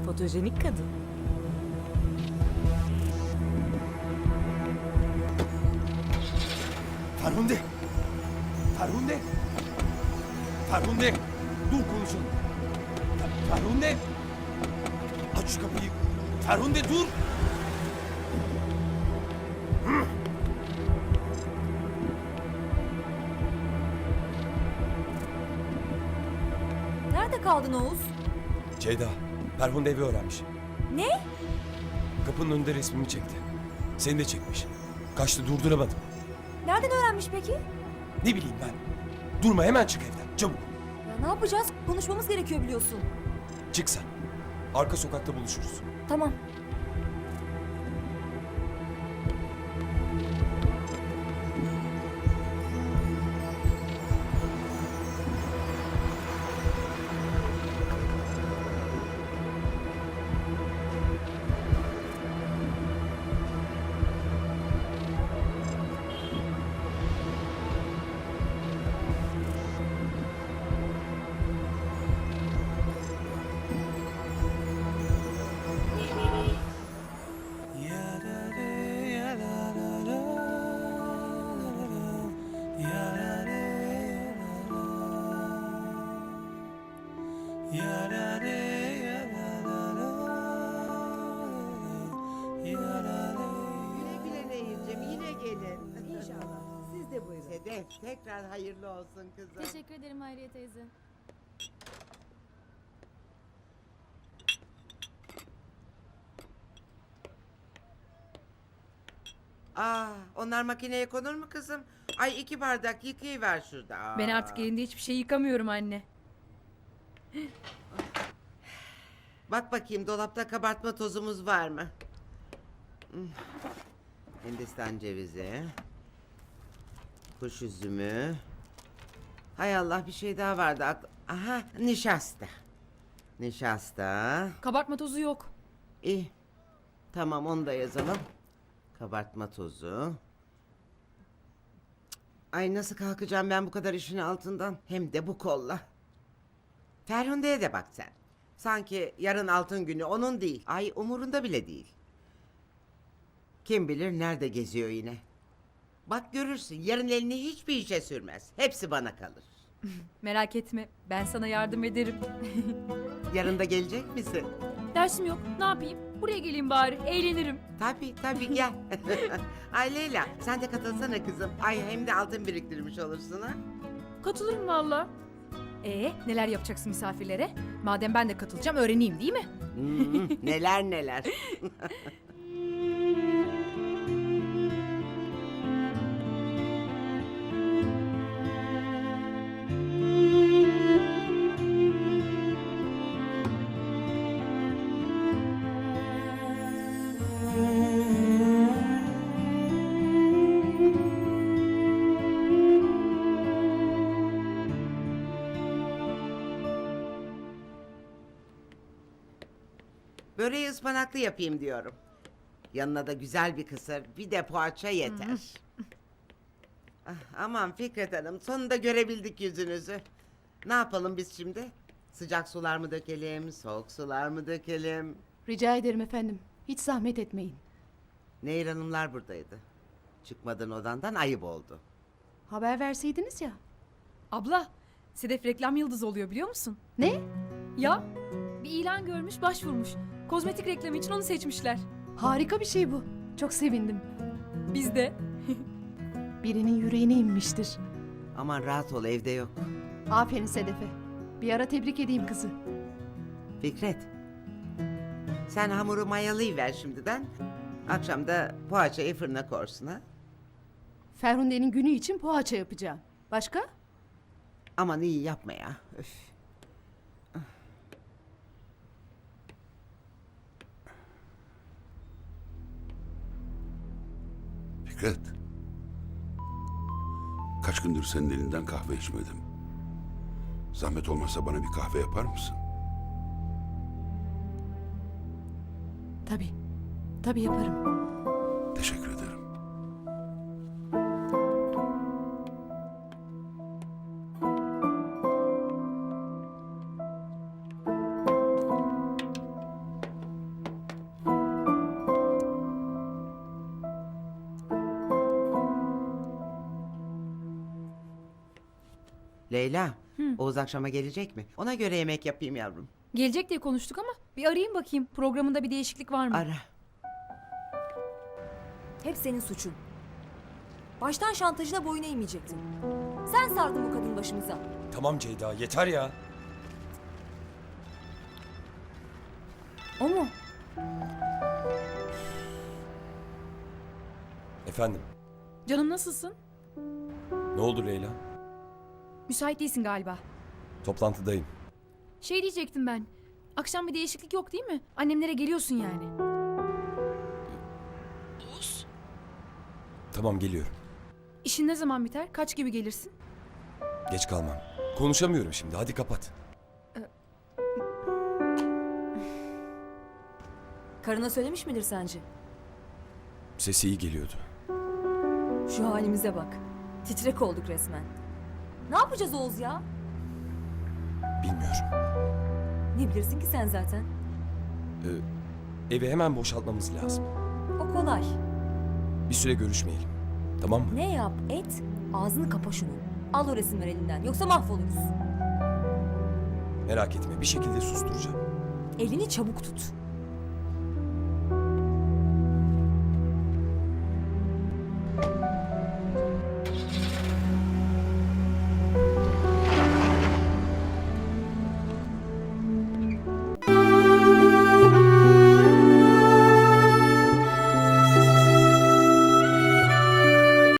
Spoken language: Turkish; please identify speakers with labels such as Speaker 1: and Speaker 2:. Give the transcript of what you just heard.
Speaker 1: Fotojenik kadın.
Speaker 2: Ferhunde! Ferhunde! Ferhunde! Dur konuşalım. Ferhunde! Aç şu kapıyı. Ferhunde dur!
Speaker 1: Nerede kaldın Oğuz?
Speaker 2: Ceyda, Ferhunde evi öğrenmiş.
Speaker 1: Ne?
Speaker 2: Kapının önünde resmimi çekti. Seni de çekmiş. Kaçtı, durduramadım.
Speaker 1: Nereden öğrenmiş peki?
Speaker 2: Ne bileyim ben. Durma, hemen çık evden. Çabuk.
Speaker 1: Ya ne yapacağız? Konuşmamız gerekiyor biliyorsun.
Speaker 2: Çık sen. Arka sokakta buluşuruz.
Speaker 1: Tamam.
Speaker 3: Güle güle Nehir'cim, yine gelin.
Speaker 4: İnşallah. Siz de buyurun.
Speaker 3: Sedef, tekrar hayırlı olsun kızım.
Speaker 5: Teşekkür ederim Hayriye teyze.
Speaker 3: Onlar makineye konur mu kızım? Ay 2 bardak yıkayıver şurada.
Speaker 6: Ben artık elinde hiçbir şey yıkamıyorum anne.
Speaker 3: Bak bakayım dolapta kabartma tozumuz var mı? Hindistan cevizi. Kuş üzümü. Hay Allah, bir şey daha vardı. Aha, nişasta. Nişasta.
Speaker 6: Kabartma tozu yok.
Speaker 3: İyi. Tamam, onu da yazalım. Kabartma tozu. Ay nasıl kalkacağım ben bu kadar işin altından? Hem de bu kolla. Ferhunde'ye de bak sen. Sanki yarın altın günü onun değil. Ay umurunda bile değil. Kim bilir nerede geziyor yine. Bak görürsün, yarın elini hiçbir işe sürmez. Hepsi bana kalır.
Speaker 6: Merak etme, ben sana yardım ederim.
Speaker 3: Yarın da gelecek misin?
Speaker 6: Dersim yok, ne yapayım? Buraya geleyim bari, eğlenirim.
Speaker 3: Tabii gel. Ay Leyla, sen de katılsana kızım. Ay hem de altın biriktirmiş olursun ha.
Speaker 6: Katılırım valla. Neler yapacaksın misafirlere? Madem ben de katılacağım, öğreneyim değil mi?
Speaker 3: Neler neler. Böreği ıspanaklı yapayım diyorum. Yanına da güzel bir kısır, bir de poğaça yeter. Aman Fikret Hanım, sonunda görebildik yüzünüzü. Ne yapalım biz şimdi? Sıcak sular mı dökelim, soğuk sular mı dökelim?
Speaker 7: Rica ederim efendim. Hiç zahmet etmeyin.
Speaker 3: Nehir Hanımlar buradaydı. Çıkmadın odandan, ayıp oldu.
Speaker 7: Haber verseydiniz ya.
Speaker 6: Abla, Sedef reklam yıldızı oluyor biliyor musun?
Speaker 7: Ne?
Speaker 6: Ya, bir ilan görmüş, başvurmuş. Kozmetik reklamı için onu seçmişler.
Speaker 7: Harika bir şey bu. Çok sevindim.
Speaker 6: Biz de.
Speaker 7: Birinin yüreğine inmiştir.
Speaker 3: Aman rahat ol, evde yok.
Speaker 7: Aferin Sedef'e. Bir ara tebrik edeyim kızı.
Speaker 3: Fikret, sen hamuru mayalayıver şimdiden. Akşam da poğaçayı fırına korsun ha.
Speaker 7: Ferhunde'nin günü için poğaça yapacağım. Başka?
Speaker 3: Aman iyi yapma ya. Öf.
Speaker 8: Fikret. Kaç gündür senin elinden kahve içmedim. Zahmet olmasa bana bir kahve yapar mısın?
Speaker 7: Tabii. Tabii yaparım.
Speaker 8: Teşekkür ederim.
Speaker 3: Leyla, Oğuz akşama gelecek mi? Ona göre yemek yapayım yavrum.
Speaker 6: Gelecek diye konuştuk ama bir arayayım bakayım. Programında bir değişiklik var mı?
Speaker 3: Ara.
Speaker 1: Hep senin suçun. Baştan şantajına boyun eğmeyecektin. Sen sardın bu kadın başımıza.
Speaker 2: Tamam Ceyda yeter ya.
Speaker 1: O mu?
Speaker 2: Efendim
Speaker 6: Canım nasılsın?
Speaker 2: ne oldu Leyla?
Speaker 6: Müsait değilsin galiba.
Speaker 2: Toplantıdayım.
Speaker 6: Şey diyecektim ben. Akşam bir değişiklik yok değil mi? Annemlere geliyorsun yani.
Speaker 2: Tamam geliyorum.
Speaker 6: İşin ne zaman biter? Kaç gibi gelirsin?
Speaker 2: Geç kalmam. Konuşamıyorum şimdi hadi kapat.
Speaker 1: Karına söylemiş midir sence?
Speaker 2: Sesi iyi geliyordu.
Speaker 1: Şu halimize bak. Titrek olduk resmen. Ne yapacağız Oğuz ya?
Speaker 2: Bilmiyorum.
Speaker 1: Ne bilirsin ki sen zaten?
Speaker 2: Evi hemen boşaltmamız lazım.
Speaker 1: O kolay.
Speaker 2: Bir süre görüşmeyelim. Tamam mı?
Speaker 1: Ne yap et, ağzını kapa şunu. Al o resimleri elinden, yoksa mahvoluruz.
Speaker 2: Merak etme bir şekilde susturacağım.
Speaker 1: Elini çabuk tut.